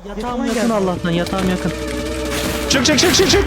Yatağım yakın Allah'tan, yatağım yakın. Çık çık çık çık çık.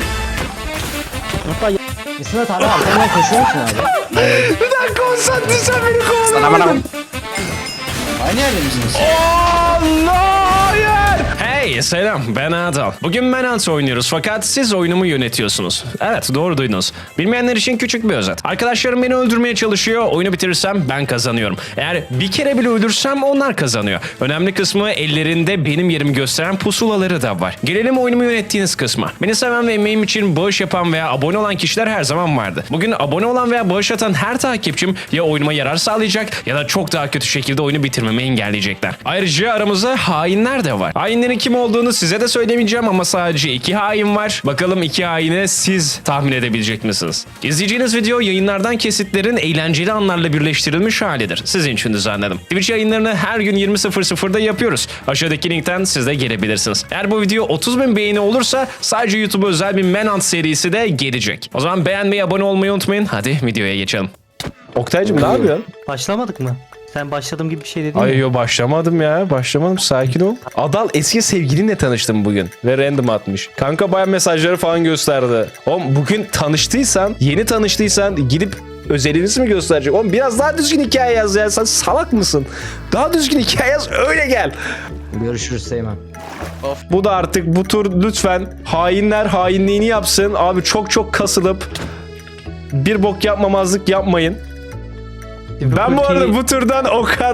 Hatta İsmet abi arkamdan koşuyor musun abi? Bir dakika o sattı sen beni kovalamadın. Aynı yerde misiniz? Allah hayır. Hey selam ben Adal. Bugün Manhunt oynuyoruz fakat siz oyunumu yönetiyorsunuz. Evet doğru duydunuz. Bilmeyenler için küçük bir özet. Arkadaşlarım beni öldürmeye çalışıyor. Oyunu bitirirsem ben kazanıyorum. Eğer bir kere bile öldürsem onlar kazanıyor. Önemli kısmı ellerinde benim yerimi gösteren pusulaları da var. Gelelim oyunumu yönettiğiniz kısma. Beni seven ve emeğim için bağış yapan veya abone olan kişiler her zaman vardı. Bugün abone olan veya bağış atan her takipçim ya oyunuma yarar sağlayacak ya da çok daha kötü şekilde oyunu bitirmemi engelleyecekler. Ayrıca aramızda hainler de var. Hainlerin kim olduğunu size de söylemeyeceğim ama sadece 2 hain var. Bakalım 2 haini siz tahmin edebilecek misiniz? İzleyeceğiniz video yayınlardan kesitlerin eğlenceli anlarla birleştirilmiş halidir. Sizin için düzenledim. Twitch yayınlarını her gün 20.00'da yapıyoruz. Aşağıdaki linkten siz de gelebilirsiniz. Eğer bu video 30.000 beğeni olursa sadece YouTube'a özel bir Manhunt serisi de gelecek. O zaman beğenmeyi, abone olmayı unutmayın. Hadi videoya geçelim. Oktay'cım ne yapıyorsun? başlamadık mı? Sen başladığım gibi bir şey dedin Ay ya. yo başlamadım ya. Başlamadım. Sakin ol. Adal eski sevgilinle tanıştım bugün. Ve random atmış. Kanka bayağı mesajları falan gösterdi. Oğlum bugün tanıştıysan, yeni tanıştıysan gidip özelinizi mi gösterecek? Oğlum biraz daha düzgün hikaye yaz ya. Sen salak mısın? Daha düzgün hikaye yaz öyle gel. Görüşürüz Seymen. Bu da artık bu tur lütfen hainler hainliğini yapsın. Abi çok çok kasılıp bir bok yapmamazlık yapmayın. Ben bu arada bu turdan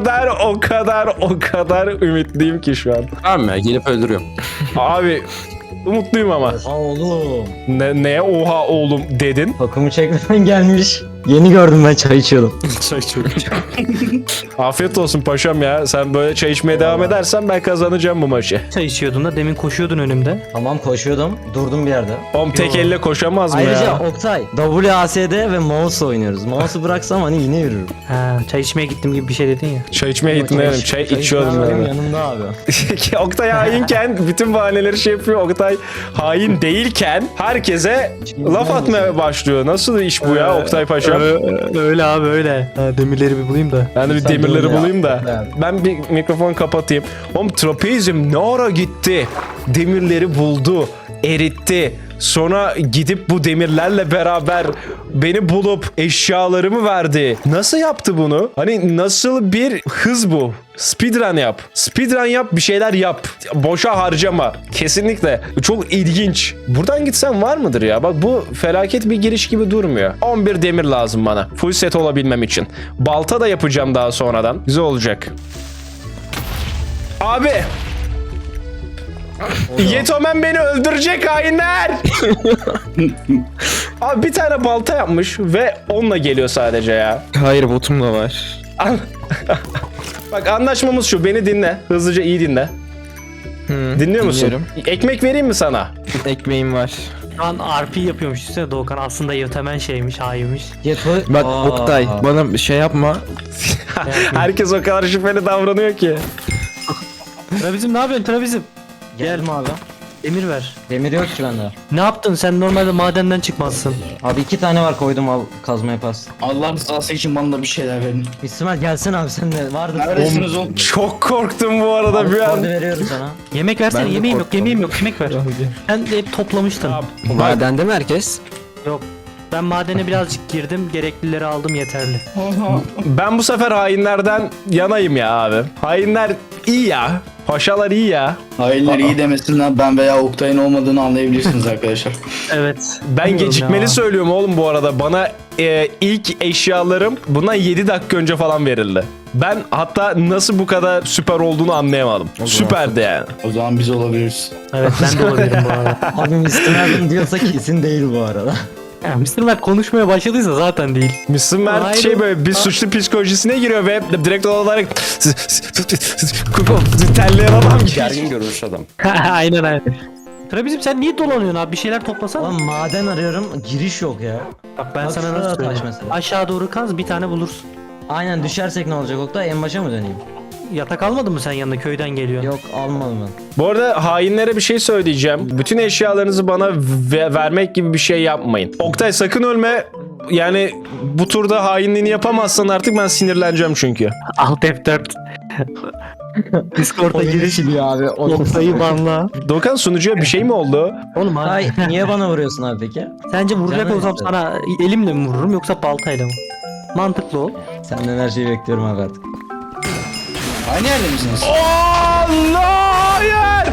o kadar ümitliyim ki şu an. Tamam ya gelip öldürüyorum. Abi umutluyum ama. Oha oğlum. Neye oha oğlum dedin? Takımı çekmeden gelmiş. Yeni gördüm ben çay içiyordum. Çay çok. Afiyet olsun paşam ya. Sen böyle çay içmeye devam edersen ben kazanacağım bu maçı. Çay içiyordun da demin koşuyordun önümde. Tamam koşuyordum. Durdum bir yerde. Oğlum tek elle koşamaz mı Ayrıca ya? Oktay WASD ve mouse oynuyoruz. Mouse'u bıraksam hani yine yürürüm. Ha, çay içmeye gittim gibi bir şey dedin ya. Çay içmeye gittim dedim. Çay içiyordum benim yani. yanımda abi. Oktay hainken bütün bahaneleri şey yapıyor. Oktay hain değilken herkese laf atmaya başlıyor. Nasıl iş bu ya Oktay paşam? Öyle abi öyle. Ha, demirleri bir bulayım da. Ben de bir Sen demirleri de öyle bulayım yap. da. Ben bir mikrofon kapatayım. Oğlum trapezim ne ara gitti? Demirleri buldu, eritti. Sonra gidip bu demirlerle beraber beni bulup eşyalarımı verdi. Nasıl yaptı bunu? Hani nasıl bir hız bu? Speedrun yap. Speedrun yap, bir şeyler yap. Boşa harcama. Kesinlikle. Çok ilginç. Buradan gitsem var mıdır ya? Bak bu felaket bir giriş gibi durmuyor. 11 demir lazım bana. Full set olabilmem için. Balta da yapacağım daha sonradan. Güzel olacak. Abi. Yetomen beni öldürecek hainler. Abi bir tane balta yapmış ve onunla geliyor sadece ya. Hayır botum da var. Bak anlaşmamız şu, beni dinle. Hızlıca iyi dinle. Dinliyor musun? dinliyorum. Ekmek vereyim mi sana? Ekmeğim var. Şu an RP yapıyormuş üstüne Doğukan. Aslında yötemen şeymiş, hainmiş. Bak Oktay bana bir şey yapma. Herkes o kadar şüpheli davranıyor ki. Trabizim ne yapıyorsun Trabizim? Geldim abi. Demir ver. Demir yok ki bende. Ne yaptın sen normalde madenden çıkmazsın. Abi 2 tane var koydum al kazma yaparsın. Allah rızası için bana da bir şeyler verin. İsmail gelsene abi sen de vardı. Neredesiniz oğlum? Çok korktum bu arada bir Orada an. veriyorum sana. Yemek versene Ben de yemeğim yok korktum. yemeğim yok yemek ver. Sen de hep toplamıştın. Madende mi herkes? Yok. Ben madene birazcık girdim gereklileri aldım yeterli. Ben bu sefer hainlerden yanayım ya abi. Hainler iyi ya. Paşalar iyi ya. Hainler iyi demesinler, ben veya Oktay'ın olmadığını anlayabilirsiniz arkadaşlar. Evet. Ben Bilmiyorum gecikmeli ya. söylüyorum oğlum bu arada. Bana ilk eşyalarım buna 7 dakika önce falan verildi. Ben hatta nasıl bu kadar süper olduğunu anlayamadım. Süperdi yani. O zaman biz olabiliriz. Evet ben de olabilirim bu arada. Abi Mr. diyorsa kesin değil bu arada. Ya, Mr. Mert konuşmaya başladıysa zaten değil. Müslüm Mert Hayır. şey böyle bir suçlu psikolojisine giriyor ve direkt olarak terleyen adam gibi. Gergin görünüş adam. aynen. Trabizim sen niye dolanıyorsun abi? Bir şeyler toplasana. Oğlum maden arıyorum giriş yok ya. Bak ben Bak sana şurada nasıl taş söyleyeyim. mesela. Aşağı doğru kaz bir tane bulursun. Aynen düşersek ne olacak Oktay? En başa mı döneyim? Yatak almadın mı sen yanında köyden geliyor? Yok almadım ben. Bu arada hainlere bir şey söyleyeceğim. Bütün eşyalarınızı bana vermek gibi bir şey yapmayın. Oktay sakın ölme. Yani bu turda hainliğini yapamazsan artık ben sinirleneceğim çünkü. Alt F4. Discord'a giriş. abi. Oktay'ı banla. Doğukan sunucuya bir şey mi oldu? Oğlum abi. Ay niye bana vuruyorsun abi peki? Sence vuracak Canım olsam istedi. sana elimle mi vururum yoksa baltayla mı? Mantıklı ol. Senden her şeyi bekliyorum abi artık. Aynı yerde misiniz? Allah hayır!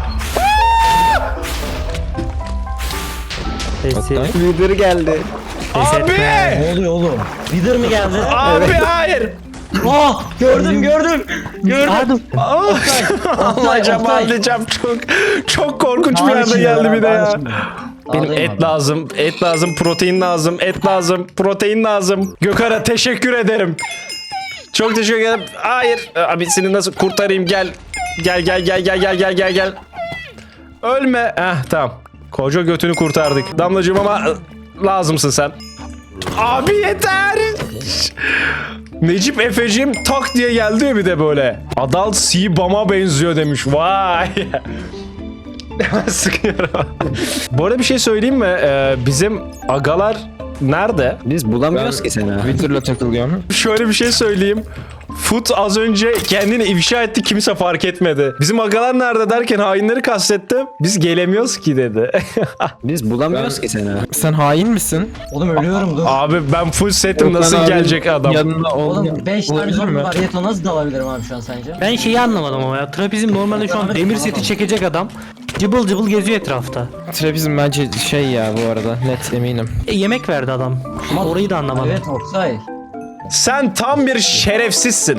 Sesi. Leader geldi. Ses Abi! etme. Ne oluyor oğlum? Leader mi geldi? Abi hayır! Oh gördüm. Hadi. Alacağım Oktay. alacağım çok korkunç bir Abi yerde şimdi geldi ya, bir de ya. abi şimdi. Benim Ağlayayım et abi. lazım, et lazım, protein lazım, et lazım, protein lazım. Gökhan'a teşekkür ederim. Çok teşekkür ederim. Hayır. Abi seni nasıl kurtarayım gel. Gel. Ölme. Tamam. Koca götünü kurtardık. Damlacığım ama lazımsın sen. Abi yeter. Necip Efe'cim tak diye geldi ya bir de böyle. Adal Sibam'a benziyor demiş. Vay. Hemen sıkıyorum. Bu arada bir şey söyleyeyim mi? Bizim agalar nerede? Biz bulamıyoruz ki seni. Twitter'la takılıyorum. Şöyle bir şey söyleyeyim. Foot az önce kendini ifşa etti, kimse fark etmedi. Bizim agalar nerede derken hainleri kastetti. Biz gelemiyoruz ki dedi. Biz bulamıyoruz ki seni. Sen hain misin? Oğlum ölüyorum dur. Abi ben full setim, nasıl Okan gelecek abinin adam? Yanında Oğlum 5 tane olabilir zombi mi? var. Yeto nasıl dalabilirim abi şu an sence? Ben şeyi anlamadım ama ya. Trapezim normalde şu an demir seti çekecek adam. Cıbıl cıbıl geziyor etrafta. Trapezim bence şey ya bu arada net eminim. Yemek verdi adam. Ama orayı da anlamadım. Evet Oksay. Sen tam bir şerefsizsin.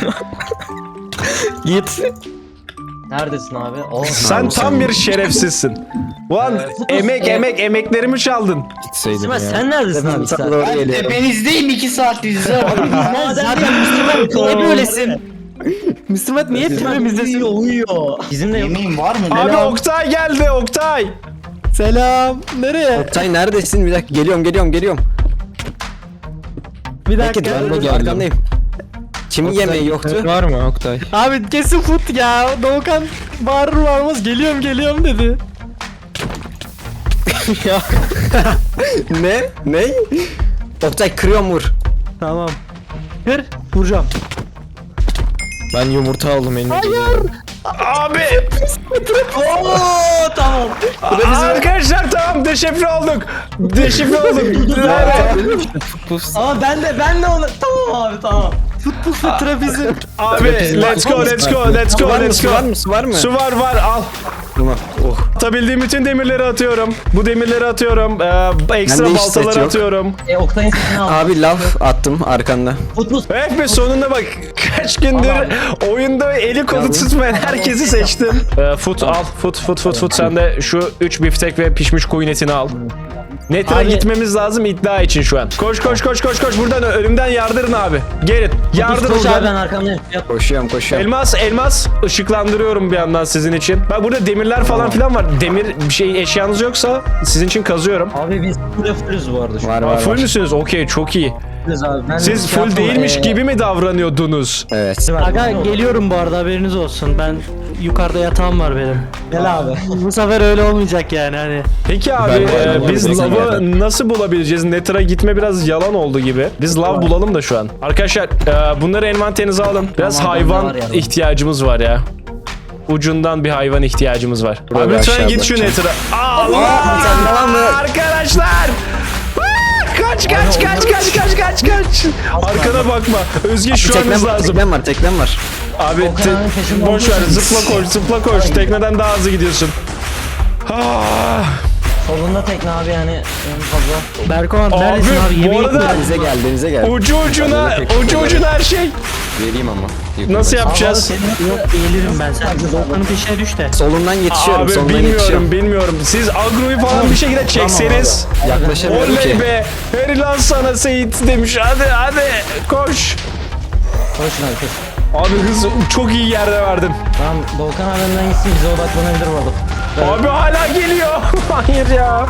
Git. Neredesin abi? Oh. Sen tam bir şerefsizsin. Ulan emeklerimi çaldın. Gitseydim Sima ya. sen neredesin abi? Sana Sen? doğru Ben geliyorum. tepenizdeyim 2 saattir size. Sen zaten Müslüman niye böylesin? Müslüman niye tepemizdesin? Uyuyor. Bizim de yok. Yemeğin var mı? Abi Selam. Oktay geldi, Oktay. Selam. Nereye? Oktay neredesin? Bir dakika geliyorum. Bir Peki dakika. ben de geldim. Arkandayım. Kimin yemeği yoktu? Var mı Oktay? Abi kesin fut ya. Doğukan bağırır varmaz geliyorum dedi. Ne? Oktay kırıyorum vur. Tamam. Kır. Vuracağım. Ben yumurta aldım elime. Abi. Oo tamam. Arkadaşlar tamam deşifre olduk. Evet. Ama ben de onu tamam abi tamam. Puslu trapezim. Abi let's go. Var mı? Su var al. Tamam. Oh. Atabildiğim bütün demirleri atıyorum. Bu demirleri atıyorum. Ekstra Bende hiç set baltaları yok. atıyorum. Oktay'ın sesini al. Abi laf attım arkanda. Futbol. Evet be sonunda bak kaç gündür oyunda eli kolu tutmayan herkesi seçtim. Fut al. Fut. Sen de şu 3 biftek ve pişmiş koyun etini al. Netra Abi- gitmemiz lazım iddia için şu an. Koş. Buradan önümden yardırın abi. Gelin. Yardırın. Koş abi buradan. ben arkamdayım. Yap. Koşuyorum. Elmas ışıklandırıyorum bir yandan sizin için. Bak burada demirler falan filan var. Demir bir şey eşyanız yoksa sizin için kazıyorum. Abi biz full'üz bu arada şu an. Var. Full müsünüz? Okey çok iyi. Full'üz abi. Ben Siz şey full yaptım, değilmiş gibi mi davranıyordunuz? Evet. Aga geliyorum bu arada haberiniz olsun. Ben yukarıda yatağım var benim. Gel abi. Bu sefer öyle olmayacak yani hani. Peki abi Ben de biz olabilir lavı nasıl bulabileceğiz? Netra gitme biraz yalan oldu gibi. Biz lav bulalım da şu an. Arkadaşlar bunları envanterinize alın. Biraz Tamam, hayvan bende var ya. ihtiyacımız var ya. Ucundan bir hayvan ihtiyacımız var. Burada Abi lütfen aşağı git şu bakacağım. Netra. Allah! sen tamam mı? Arkadaşlar! Kaç. Arkana bakma. Özge şu an hız lazım. Teknem var. Abi Okan abinin peşinde boş ver olduğu için- zıpla koş. Tekneden daha hızlı gidiyorsun. Ah. Solunda tekne abi yani en fazla. Berkoğan Abi, neredesin abi? bu Yemeği arada- Denize gel. Ucu ucuna her şey. Vereyim ama. Nasıl yapacağız? yok eğilirim ben sen. Doğukan'ın peşine düş de. Solundan yetişiyorum. Abi solundan yetişiyorum. bilmiyorum. Siz agroyu falan bir şekilde çekseniz. Yaklaşamıyorum Oley ki. be. Helal sana Seyit demiş. Hadi koş. Koşun abi koş. Abi hız çok iyi yerde verdin. Tamam Doğukan abi önden gitsin bize odaklanabilir bu arada. Abi hala geliyor. Hayır ya.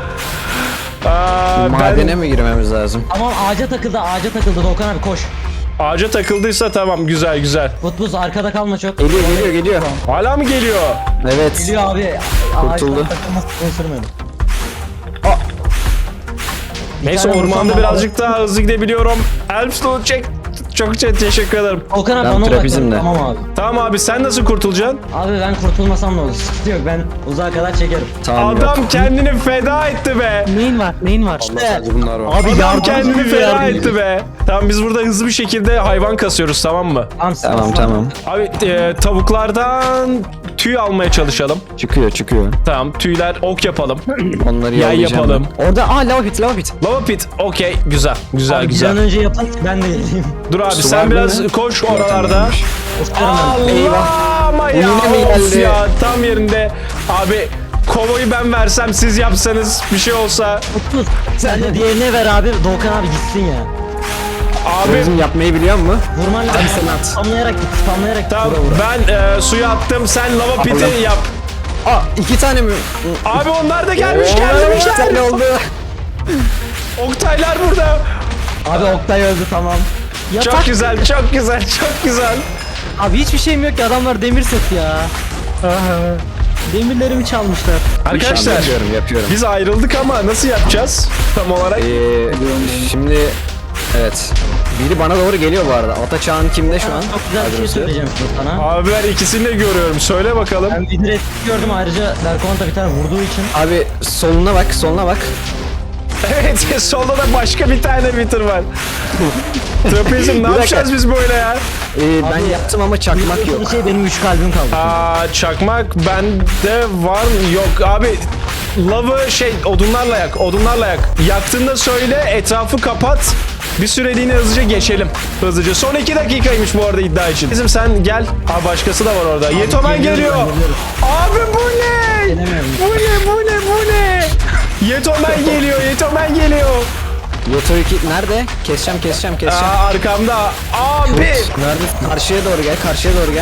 Madene mi girmemiz lazım? Tamam ağaca takıldı Doğukan abi koş. Ağaca takıldıysa tamam güzel. Futbuz arkada kalma çok. Geliyor. Hala mı geliyor? Evet. Geliyor abi. Kurtuldu. Ağaçtan takılması uzun sürmedi. Neyse tane ormanda vursam birazcık daha hızlı gidebiliyorum. Elfstone Çok teşekkür ederim. Volkan abi Ben bana odaklan. trapezimde. Tamam abi. Tamam abi sen nasıl kurtulacaksın? Abi ben kurtulmasam ne olur? Sıkıntı yok, ben uzağa kadar çekerim. Tamam. Adam kendini feda etti be. Neyin var? Neyin var? Sadece bunlar var. Abi Adam yardım kendini ediyor, feda yardım etti ediyor. be. Tamam biz burada hızlı bir şekilde hayvan kasıyoruz tamam mı? Tamam. Abi tavuklardan tüy almaya çalışalım. Çıkıyor. Tamam tüyler ok yapalım. Onları Yay yollayacağım. yapalım. ben. Orada lava pit. Lava pit okey güzel güzel Abi bir güzel. an önce yapın ben de geleyim. Dur abi Su sen var biraz mı? koş oralarda. Oscar'ım ben. Allah ama ya, Yine mi of geldi? ya tam yerinde. Abi kovoyu ben versem siz yapsanız bir şey olsa. Tut. Sen de diğerine ver abi. Doğukan abi gitsin ya. Abi Bizim yapmayı biliyor musun? Vurman lazım. Spamlayarak git. Spamlayarak git. tamam Vura vura. ben suya attım sen lava piti Allah. yap. Aa 2 tane mi? Abi onlar da gelmiş İki gelmişler. tane oldu. Oktaylar burada. Abi Oktay öldü tamam. Çok güzel çok güzel çok güzel. Abi hiçbir şeyim yok ki, adamlar demir set ya. Demirlerimi çalmışlar. Arkadaşlar Yapıyorum. biz ayrıldık ama nasıl yapacağız tam olarak? Şimdi evet. Biri bana doğru geliyor bu arada. Ataçağın kimde şu an? Çok güzel bir şey söyleyeceğim şimdi sana. Abi ben ikisini de görüyorum. Söyle bakalım. Ben bir direkt gördüm, ayrıca Berkoğan bir tane vurduğu için. Abi soluna bak. Evet solda da başka bir tane bitir var. Trapezim ne dakika. yapacağız biz böyle ya? Ben yaptım ama çakmak yok. Bir şey benim 3 kalbim kaldı. Aa, çakmak bende var mı? Yok abi. Lavı odunlarla yak. Yaktığında söyle etrafı kapat. Bir süreliğine hızlıca geçelim. Hızlıca. Son 2 dakikaymış bu arada iddia için. Bizim sen gel. Aa başkası da var orada. Yetomen geliyor. Abi bu ne? Gelemiyorum. Bu ne? Yetomen geliyor. Yoto 2 nerede? Keseceğim. Aa, arkamda. Abi. Nerede? Karşıya doğru gel.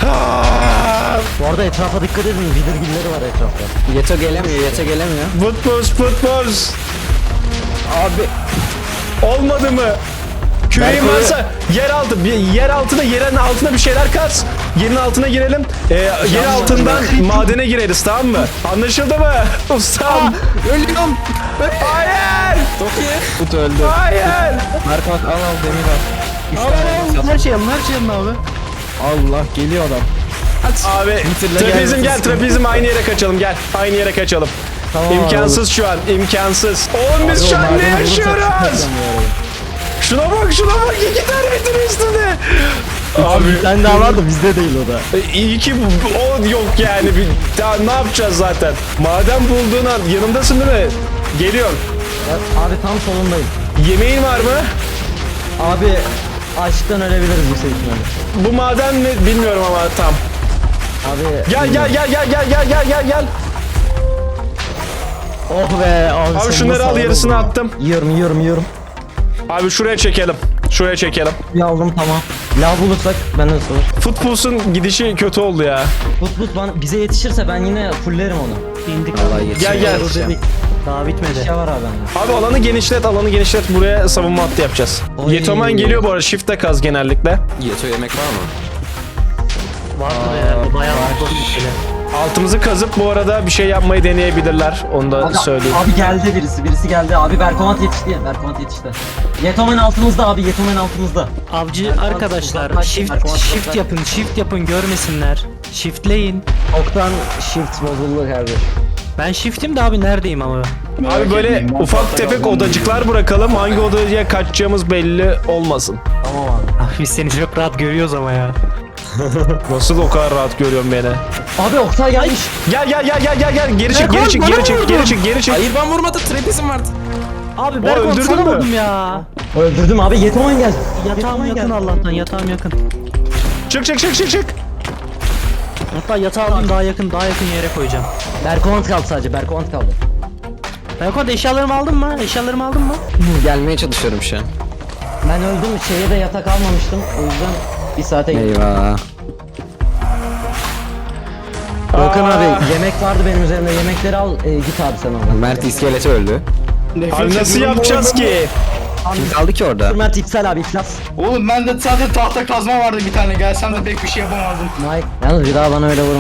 Aa, Bu arada etrafa dikkat edin, vidirgilleri var etrafta. Yeto gelemiyor. Futbol. Abi Olmadı mı? Küreğin Berko'yu- varsa yer altına yerin altına bir şeyler kaz. Yerin altına girelim. Yer altından madene gireriz tamam mı? Anlaşıldı mı? Ustam. ölüyorum. Hayır. Tut öldü. Hayır. Merkant al demir al. Her şey alın abi. Allah geliyor adam. Abi trapezim gel trapezim aynı yere kaçalım gel. Aynı yere kaçalım. İmkansız şu an imkansız. Oğlum biz şu an ne yaşıyoruz? Şuna bak 2 tane bitir üstünde. Abi Bir tane daha var da bizde değil o da. iyi ki o yok yani. Daha ne yapacağız zaten? Maden bulduğun an yanımdasın değil mi? Geliyorum. Abi tam solundayım. Yemeğin var mı? Abi açlıktan ölebiliriz bu ihtimalle. Bu maden mi bilmiyorum ama tam. Abi Gel. oh be abi. Abi şunları al yarısını attım. Yiyorum. Abi şuraya çekelim. Bir aldım tamam. Lav bulursak benden sonra. Futbolsun gidişi kötü oldu ya. But bana bize yetişirse ben yine fullerim onu. İndik. Vallahi yetişiyor. Gel. Daha bitmedi. Şey var abi bende. Abi alanı genişlet. Buraya savunma hattı yapacağız. Oy. Yetomen geliyor bu arada. Shift'te kaz genellikle. Yeto yemek var mı? Vardır ya. Bayağı var. Altımızı kazıp bu arada bir şey yapmayı deneyebilirler. Onu da söyleyeyim. Abi geldi birisi geldi. Abi Berkomat yetişti. Yetomen altımızda abi, Yetomen altımızda. Avcı arkadaşlar Bak, shift bak. yapın görmesinler. Shiftleyin. Oktan shift bozuldu kardeş. Ben shift'im de abi neredeyim ama. Abi böyle ufak tefek odacıklar bırakalım. Hangi odaya kaçacağımız belli olmasın. Tamam abi. Abi biz seni çok rahat görüyoruz ama ya. Nasıl o kadar rahat görüyorum beni? Abi Oktay gelmiş. Gel. Geri çık. Hayır ben vurmadım. Trapezim vardı. Abi O Berkon öldürdün sana mü? vurdum ya. Öldürdüm abi, Yetomen geldi. Yatağım yakın Allah'tan, yatağım yakın. Çık. Hatta yatağı alayım, daha yakın yere koyacağım. Berkomat kaldı sadece, Berkomat kaldı. Berkon eşyalarımı aldın mı? Gelmeye çalışıyorum şu an. Ben öldüm, şeye de yatak almamıştım. O yüzden bir saate gittim. Eyvah. Volkan abi yemek vardı benim üzerimde, yemekleri al git abi sen oradan. Mert iskeleti öldü. Abi nasıl yapacağız ki? Kim kaldı ki orada? Mert iptal abi, iflas. Oğlum bende zaten tahta kazma vardı bir tane. Gelsem de pek bir şey yapamazdım. Mike. Yalnız bir daha bana öyle vurma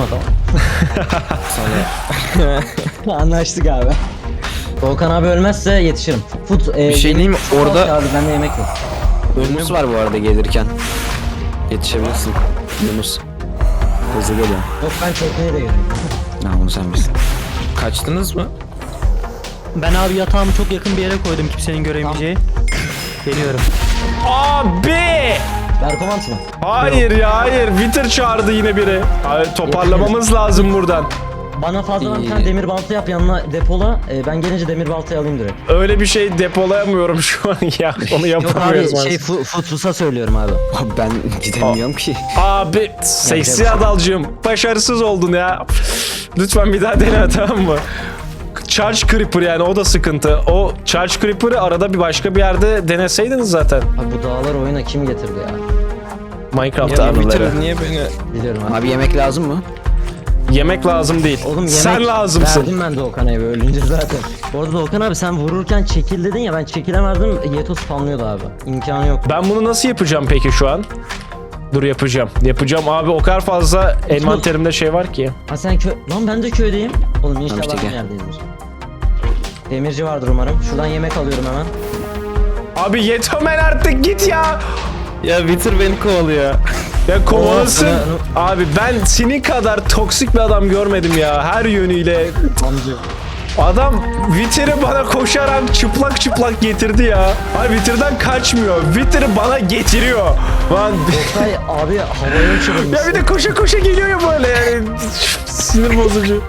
tamam. Anlaştık abi. Volkan abi ölmezse yetişirim. Bir şey diyeyim mi? Orada- Abi bende yemek yok. Yunus var bu arada gelirken. Yetişebilirsin. Yunus. Hızlı geliyor. Yok ben tekneye de geliyorum. Ha onu sen bilsin. Kaçtınız mı? Ben abi yatağımı çok yakın bir yere koydum kimsenin göremeyeceği. Geliyorum. Abi! Berkomant mı? Hayır ya hayır. Wither çağırdı yine biri. Hayır, toparlamamız lazım buradan. Bana fazladan bir tane demir balta yap yanına depola. Ben gelince demir baltayı alayım direkt. Öyle bir şey depolayamıyorum şu an ya. Onu Yok yapamıyoruz abi maalesef. Futrus'a söylüyorum abi. Abi ben gidemiyorum ki. Abi seksi adalcığım başarısız oldun ya. Lütfen bir daha dene tamam mı? Charge Creeper yani o da sıkıntı. O Charge Creeper'ı arada bir başka bir yerde deneseydiniz zaten. Abi bu dağlar oyuna kim getirdi ya? Minecraft Ya abileri. Twitter niye beni... Biliyorum abi. Abi yemek lazım mı? Yemek lazım değil. Oğlum yemek Sen lazımsın. verdim ben Doğukan abi ölünce zaten. Bu arada Doğukan abi sen vururken çekil dedin ya ben çekilemezdim. Yeto spamlıyordu abi. İmkanı yok. Ben bunu nasıl yapacağım peki şu an? Dur yapacağım. Yapacağım abi o kadar fazla envanterimde şey var ki. Ha sen Lan ben de köydeyim. Oğlum inşallah işte aynı gel. yerdeyizdir. Demirci vardır umarım. Şuradan yemek alıyorum hemen. Abi Yetomen artık git ya. Ya Twitter beni kovalıyor. Ya kovalasın. Oh, Abi ben senin kadar toksik bir adam görmedim ya her yönüyle. Amca. Adam Wither'ı bana koşarak çıplak çıplak getirdi ya. Hayır Wither'dan kaçmıyor. Wither'ı bana getiriyor. Lan Oktay abi havaya uçurmuş. ya bir de koşa koşa geliyor ya böyle yani. Sinir bozucu.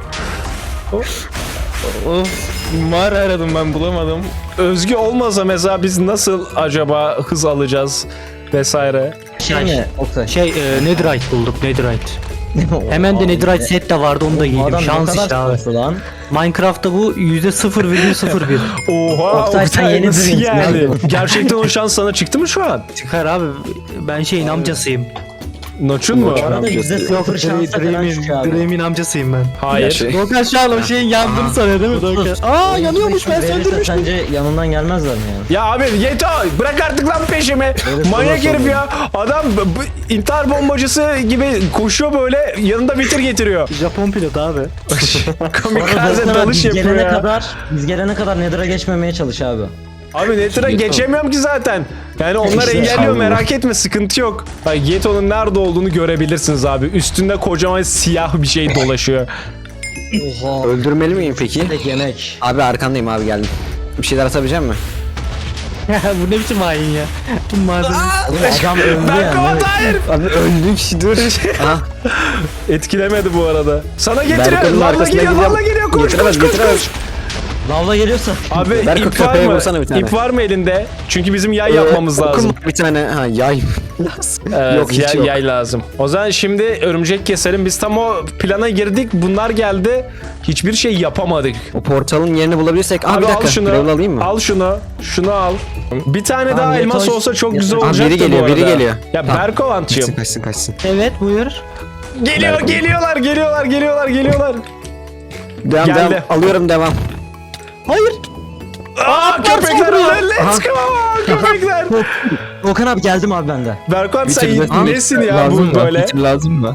Of. Mağara aradım ben bulamadım. Özgü olmasa mesela biz nasıl acaba hız alacağız vesaire. Şey mi Oktay? Netherite bulduk Netherite. Hemen de Netherite set de vardı onu da Bu giydim. adam Şans ne kadar işte abi. şanslı lan. Minecraft'ta bu %0,01. Oha Oktay, sen Oktay yeni nasıl birisin. yani? Gerçekten o şans sana çıktı mı şu an? Çıkar abi. Ben şeyin amcasıyım. Noçun mu? Bu arada %0 şansla falan çıkıyor abi. Dream'in amcasıyım ben. Hayır. Şey- Doğukan şu an o şeyin yandığını sanıyor değil mi Doğukan? Aa yanıyormuş ben Verirse söndürmüştüm. Sence yanından gelmezler mi yani? Ya abi Yeto bırak artık lan peşimi. Manyak herif ya. Adam intihar bombacısı gibi koşuyor böyle yanında Wither getiriyor. Japon pilot abi. Kamikaze Doğukan abi, dalış biz yapıyor gelene ya. kadar biz gelene kadar Nether'a geçmemeye çalış abi. Abi Nether'a geçemiyorum ki zaten. Yani onlar İşte engelliyor abi. merak etme sıkıntı yok. Bak Yeto'nun nerede olduğunu görebilirsiniz abi. Üstünde kocaman siyah bir şey dolaşıyor. Oha. Öldürmeli miyim peki? Tek yemek. Abi arkandayım abi geldim. Bir şeyler atabilecek misin? Bu ne biçim hain ya? Bu malzeme. Oğlum adam öldü Ben yani. kapat hayır. Abi öldük dur. Ha, Etkilemedi bu arada. Sana getiriyor. Berko'nun Valla arkasına geliyor. gidiyorum. Valla geliyor. Koş Getiremez, koş koş getiremez. koş. Lavla geliyorsa. Abi Berko, ip var köpeğe mı? vursana bir tane. İp var mı elinde? Çünkü bizim yay yapmamız Okum lazım. var bir tane. Ha yay. Evet, Yok, hiç yok. yay lazım. O zaman şimdi örümcek keselim. Biz tam o plana girdik. Bunlar geldi. Hiçbir şey yapamadık. O portalın yerini bulabilirsek. Abi, Abi bir al dakika. şunu. Gravel alayım mı? Al şunu. Şunu al. Bir tane Tamam, daha yeter. elmas olsa çok Yeter. güzel Abi, olacaktı biri geliyor, bu arada. biri geliyor. Ya Tamam. Berkovan'cığım. Kaçsın. Evet buyur. Geliyor, geliyorlar. Devam Geldi. devam. Alıyorum devam. Hayır. Aa köpekler öyle. Let's go köpekler. Okan abi geldim abi bende. Berkovan sen Bitir. nesin ya Lazım bu mı? böyle? Twitter lazım mı?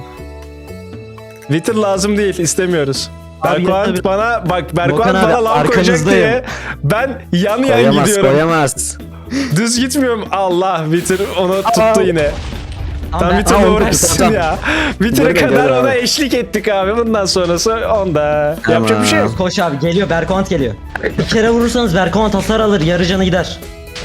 Wither lazım değil istemiyoruz. Abi Berkovan yeter. Volkan bana Berkovan abi, bana lan koyacak arkanızdayım. diye ben yan Koyamaz gidiyorum. koyamaz. Düz gitmiyorum. Allah Wither onu tuttu yine. Tam ben- Wither'la Aa, uğraşsın tamam. ya. Wither'a Dur, kadar gel ona abi. eşlik ettik abi. Bundan sonrası onda. Tamam. Yapacak bir şey yok. Koş abi geliyor Berkovant geliyor. Bir kere vurursanız Berkovant hasar alır yarı canı gider.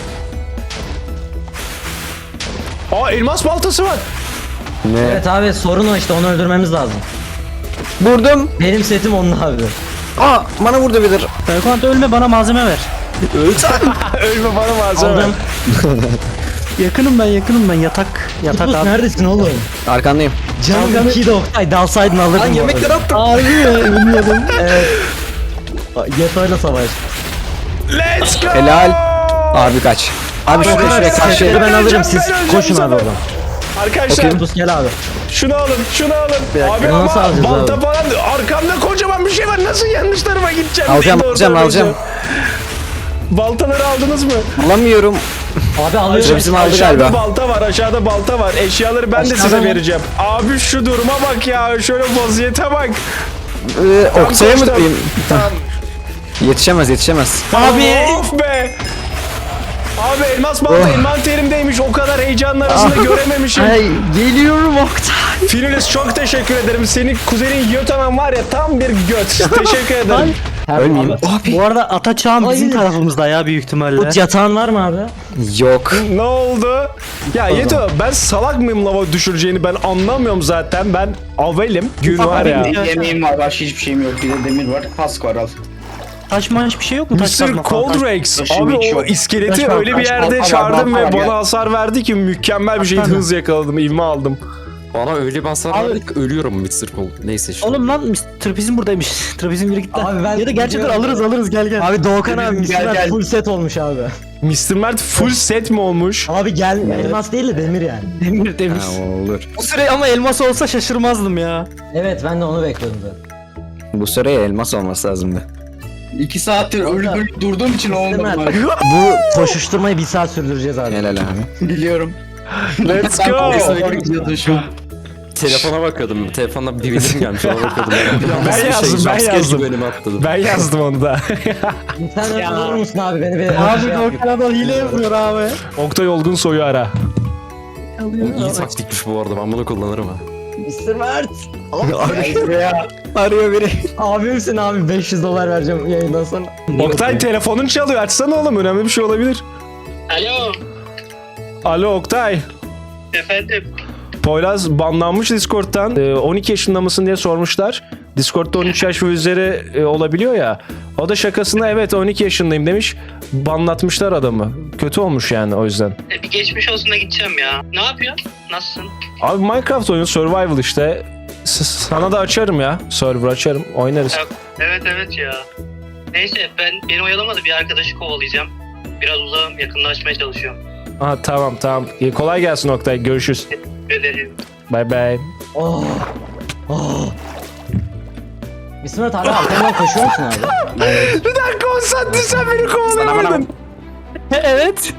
Aa elmas baltası var. Ne? Evet abi sorun o işte onu öldürmemiz lazım. Vurdum. Benim setim onun abi. Aa bana vurdu bilir. Berkant ölme bana malzeme ver. Ölme bana malzeme. Aldım. Yakınım ben yatak Tutbus abi. neredesin oğlum? Arkandayım. Canım 2'de Oktay dalsaydın alırdın. Lan bu yemekleri arada. attım. Harbi mi? Bilmiyordum. Yeto'yla savaş. Let's go. Helal. Abi kaç. Abi şuraya Okan abi şuraya karşıya. setleri ben alırım öleceğim, siz ben öleceğim koşun bu abi sefer. oradan. Arkadaşlar Tutbus gel abi. şunu alın. Abi Bunu nasıl ama alacağız balta abi? falan arkamda kocaman bir şey var. Nasıl yanlış tarafa gideceğim? Alacağım, diye alacağım. diyeceğim. Baltaları aldınız mı? Alamıyorum. Abi alıyorum. Bizim aldı Aşağıda galiba. balta var, aşağıda balta var. Eşyaları ben de Aşağıda size mı? vereceğim. Abi şu duruma bak ya. Şöyle vaziyete bak. Oksaya mı koştum. diyeyim? Tamam. Yetişemez. Abi. Of be. Abi elmas balta envanterimdeymiş. O kadar heyecanın arasında görememişim. Ay geliyorum Oktay. Finilis çok teşekkür ederim. Senin kuzenin Yotaman var ya tam bir göt. Teşekkür ederim. Ölmeyeyim. Bu arada Ataçağ'ın bizim Hayır. tarafımızda ya büyük ihtimalle. Ut yatağın var mı abi? Yok. Ne oldu? Ya Yeto ben salak mıyım lava düşüreceğini ben anlamıyorum zaten. Ben avelim. Gün var ya. Bir yemeğim var, başka hiçbir şeyim yok. Bir de demir var, kask var al. Taş maş bir şey yok mu? Taş Mr. kazma falan. Coldrex Taşım abi hiç o yok. iskeleti Taş var, öyle bir taş yerde var, çağırdım var, ve var bana ya. hasar verdi ki mükemmel bir şey Taş var. hız yakaladım, ivme aldım. Bana öyle bir hasar Abi- verdi ki ölüyorum Mr. Cold. Neyse işte. Oğlum lan trapezim buradaymış. Trapezim biri gitti. Abi ben ya da gerçekten biliyorum. alırız gel gel. Abi Doğukan abi Gel, Mr. gel. full set olmuş abi. Mr. Mert full set mi olmuş? Abi gel elmas değil de demir yani. Demir. Ha, olur. Bu süre ama elmas olsa şaşırmazdım ya. Evet ben de onu bekliyordum zaten. Bu sıraya elmas olması lazımdı. 2 saattir ölüp durduğum için olmadı. Mert. bari. Bu koşuşturmayı bir saat sürdüreceğiz abi. Helal abi. Biliyorum. Let's Sen go. doğru gidiyordun şu an. Telefona bakıyordum. Telefonda bir bildirim gelmiş. Ona bakıyordum. Ben yazdım, ben yazdım. Önüme atladım. Ben yazdım onu da. Sen olur musun abi beni bir Abi şey yap. Doğukan adam hile yapıyor abi. Oktay Olgun soyu ara. İyi taktikmiş bu arada. Ben bunu kullanırım ha. Mr. Mert. Gel buraya. Arıyor biri. Abimsin abi $500 vereceğim yayından sonra. Oktay telefonun çalıyor. Açsana oğlum. Önemli bir şey olabilir. Alo, Alo Oktay. efendim. Poyraz banlanmış Discord'dan. 12 yaşında mısın diye sormuşlar. Discord'da 13 yaş ve üzeri olabiliyor ya. O da şakasına evet 12 yaşındayım demiş. Banlatmışlar adamı. Kötü olmuş yani o yüzden. Bir geçmiş olsun da gideceğim ya. Ne yapıyorsun? Nasılsın? Abi Minecraft oyunu survival işte. Sana da açarım ya. Server açarım. Oynarız. Evet ya. Neyse beni oyalamadı, bir arkadaşı kovalayacağım. Biraz uzağım, yakınlaşmaya çalışıyorum. Aha tamam. Kolay gelsin Oktay. Görüşürüz. Ederim. Bye bye. Oh. Oh. Mr. Mert hala arkamdan koşuyor musun abi? Bir dakika o saatte sen beni kovalayamadın. Evet.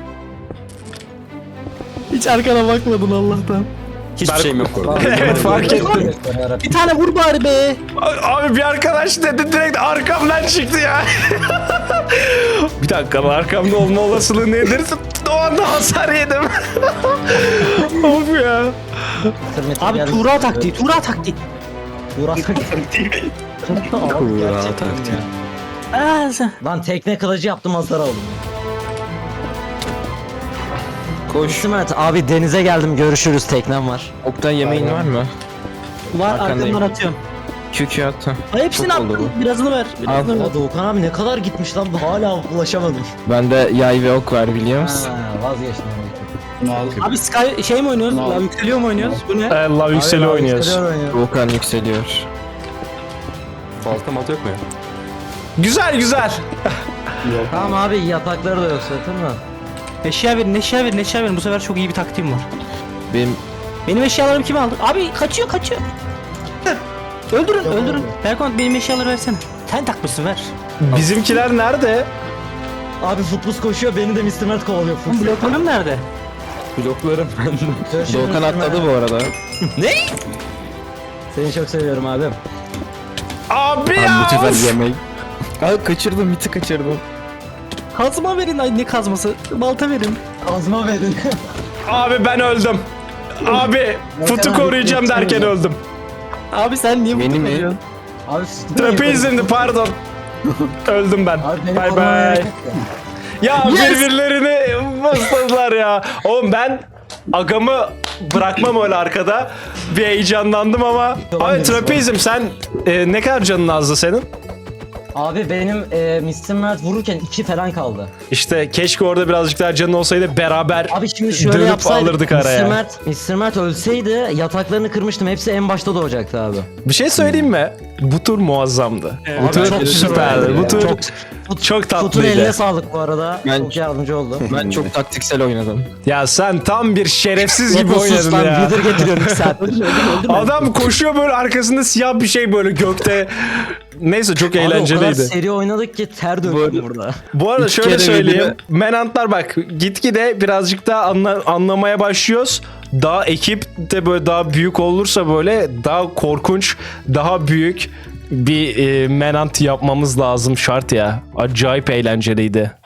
Hiç arkana bakmadın Allah'tan. Hiçbir şeyim yok orada. Evet fark ettim. Bir tane vur bari be. Abi bir arkadaş dedi direkt arkamdan çıktı ya. Bir dakika arkamda olma olasılığı nedir? O anda hasar yedim. Of ya. Abi Tuğra taktiği. Tuğra taktiği. Tuğra taktiği. Lan tekne kılıcı yaptım hasar aldım. Koş. Mr. Mert abi denize geldim görüşürüz teknem var. Oktay yemeğin var mı? Var Arkandayım. arkamdan atıyorum. QQ at. ha. Ay hepsini Çok oldu attım. Birazını ver. Birazını ver. Ya Doğukan abi ne kadar gitmiş lan hala ulaşamadım. Bende yay ve ok var biliyor musun? Ha, vazgeçtim. Bunu al. Abi Sky şey mi oynuyoruz? Ne oldu? Lan yükseliyor mu oynuyoruz? Bu ne? Allah yükseli Abi, oynuyoruz. yükseliyor oynuyor. Volkan yükseliyor. Balta malta yok mu ya? Güzel. Tamam abi yatakları da yok zaten mi? Eşya verin. Bu sefer çok iyi bir taktiğim var. Benim Benim eşyalarımı kim aldı? Abi kaçıyor. Öldürün. Berkant benim eşyaları versene. Sen takmışsın ver. Bizimkiler nerede? Abi futbol koşuyor beni de Mr. Mert kovalıyor. Lan bloklarım nerede? bloklarım. Görüşürüz Volkan Mr. atladı Mert. bu arada. Seni çok seviyorum abim. Abi Abi ya. bu sefer of! yemeği. Abi kaçırdım, biti kaçırdım. Kazma verin. Ay ne kazması? Balta verin. Kazma verin. Abi ben öldüm. Abi futu koruyacağım derken öldüm. Abi sen niye Beni bunu mi? koyuyorsun? Abi Trapezimdi pardon. Öldüm ben. Abi beni Bye korumaya bye. gerek yok. Ya birbirlerini bastırdılar ya. Oğlum ben agamı bırakmam öyle arkada. Bir heyecanlandım ama. Abi trapezim sen ne kadar canın azdı senin? Abi benim Mr. Mert vururken 2 falan kaldı. İşte keşke orada birazcık daha canın olsaydı beraber Abi şimdi şöyle dönüp yapsaydık. alırdık araya. Mr. Mert ölseydi yataklarını kırmıştım. Hepsi en başta doğacaktı abi. Bir şey söyleyeyim mi? Bu tur muazzamdı. Bu Abi tur çok süperdi. Bu tur çok Tutun tatlıydı. eline sağlık bu arada. Ben- Çok yardımcı oldu. Ben çok taktiksel oynadım. Ya sen tam bir şerefsiz gibi Yapı sus oynadın lan, ya. Wither getiriyorum 2 saat. Adam koşuyor böyle arkasında siyah bir şey böyle gökte. Neyse çok Abi o kadar eğlenceliydi. seri oynadık ki ter döktüm burada. Bu arada İki şöyle kere söyleyeyim. videoda- Menantlar bak gitgide birazcık daha anlamaya başlıyoruz. Daha ekip de böyle daha büyük olursa böyle daha korkunç, daha büyük bir menant yapmamız lazım şart ya. Acayip eğlenceliydi.